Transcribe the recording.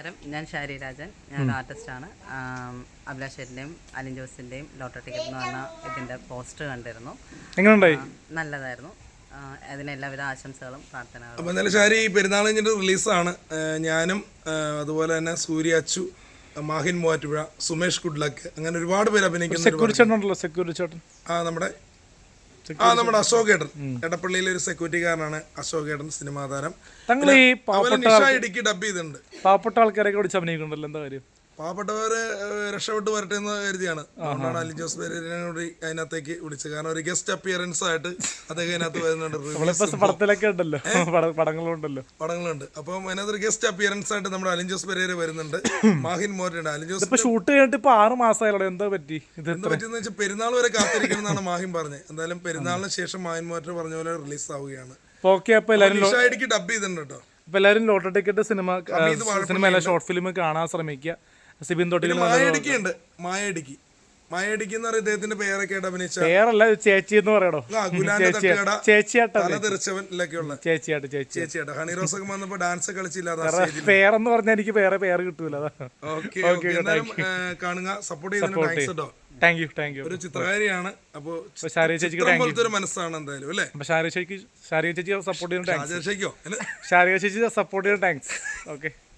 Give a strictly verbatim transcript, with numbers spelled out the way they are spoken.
ഞാൻ ഷാരി രാജൻ, ഞാൻ ആർട്ടിസ്റ്റാണ്. അഭിലാഷ് ചേട്ടൻ്റെയും അലിൻ ജോസിൻ്റെയും ലോട്ടോ ടിക്കറ്റ് എന്ന് പറഞ്ഞ ഇതിൻ്റെ പോസ്റ്റർ കണ്ടിരുന്നു. എങ്ങനെയുണ്ടായി? നല്ലതായിരുന്നു. അതിന് എല്ലാവിധ ആശംസകളും പ്രാർത്ഥനകളും. അപ്പോൾ എന്തായാലും ഷാരി പെരുന്നാൾ കഴിഞ്ഞിട്ട് റിലീസാണ്. ഞാനും അതുപോലെ തന്നെ സൂര്യ അച്ചു, മാഹിൻ മൂവാറ്റുപുഴ, സുമേഷ് ഗുഡ്ലക്ക്, അങ്ങനെ ഒരുപാട് പേര് അഭിനയിക്കുന്നു. ആ നമ്മുടെ ആ നമ്മുടെ അശോക് ഏട്ടൻ, എടപ്പള്ളിയിലെ ഒരു സെക്യൂരിറ്റിക്കാരനാണ് അശോക് ഏട്ടൻ, സിനിമാ താരം. നിഷ ഇടുക്കി ഡബ് ചെയ്തിട്ടുണ്ട്. പാവപ്പെട്ട ആൾക്കാരൊക്കെ വിളിച്ച് അഭിനയിക്കുന്നുണ്ടല്ലോ, എന്താ കാര്യം? പാവപ്പെട്ടവര് രക്ഷപ്പെട്ട് വരട്ടെ എന്ന് കരുതിയാണ്. അതുകൊണ്ടാണ് അലിൻ ജോസ് പെരേരനെ കൂടി അതിനകത്തേക്ക് വിളിച്ചത്. കാരണം ഒരു ഗസ്റ്റ് അപ്പിയറൻസ് ആയിട്ട് അദ്ദേഹം അതിനകത്ത് വരുന്നുണ്ട്. പടത്തിലൊക്കെ ഉണ്ടല്ലോ, പടങ്ങളുണ്ടല്ലോ പടങ്ങളുണ്ട്. അപ്പം അതിനകത്ത് ഒരു ഗസ്റ്റ് അപ്പിയറൻസ് ആയിട്ട് നമ്മുടെ അലിൻ ജോസ് പെരേര വരുന്നുണ്ട്. മാഹിൻ മോറ്റുണ്ട്. അലിൻ ജോസ് ഷൂട്ട് കഴിഞ്ഞിട്ട് ഇപ്പൊ ആറ് മാസമായല്ലോ, എന്താ പറ്റി? എന്താ പറ്റിയെന്ന് വെച്ചാൽ പെരുന്നാൾ വരെ കാത്തിരിക്കണം എന്നാണ് മാഹിൻ പറഞ്ഞത്. എന്തായാലും പെരുന്നാളിന് ശേഷം മാഹിൻ മോറ്റർ പറഞ്ഞ പോലെ റിലീസ് ആവുകയാണ്. ഡബ് ചെയ്തിട്ടുണ്ട് കേട്ടോ. ഇപ്പൊ എല്ലാവരും lotto ticket cinema cinema short film കാണാൻ ശ്രമിക്കുക. സിബിൻ തൊട്ടിൽ മായടിക്കുണ്ട്. മായടിക്ക് മായടിക്ക് എന്ന് പറയുന്ന ഇദ്ദേഹത്തിന്റെ പേരൊക്കെ ആയിട്ട് അഭിനയിച്ച പേരല്ല, ചേച്ചി എന്ന് പറയണോ? ചേച്ചിയാട്ടൊക്കെയുള്ള ചേച്ചിയാട്ട് ചേച്ചിയാട്ട ഹണി റോസ് ഒക്കെ വന്നപ്പോ ഡാൻസ് കളിച്ചില്ല. പേരെന്ന് പറഞ്ഞാൽ എനിക്ക് വേറെ പേര് കിട്ടൂല. കാണുക, സപ്പോർട്ട് ചെയ്യുന്നുണ്ട്. Thank you thank you. ഒരു ചിത്രകാരിയാണ്. അപ്പൊ ഷാരി ചേച്ചിക്ക് ഒരു മനസ്സാണ് എന്തായാലും അല്ലേ. ഷാരി ചേച്ചിക്ക് ഷാരി ചേച്ചി സപ്പോർട്ട് ചെയ്യുന്ന ഷാരിക ഷാരി ചേച്ചി സപ്പോർട്ട് ചെയ്യുന്ന താങ്ക്സ്. ഓക്കെ.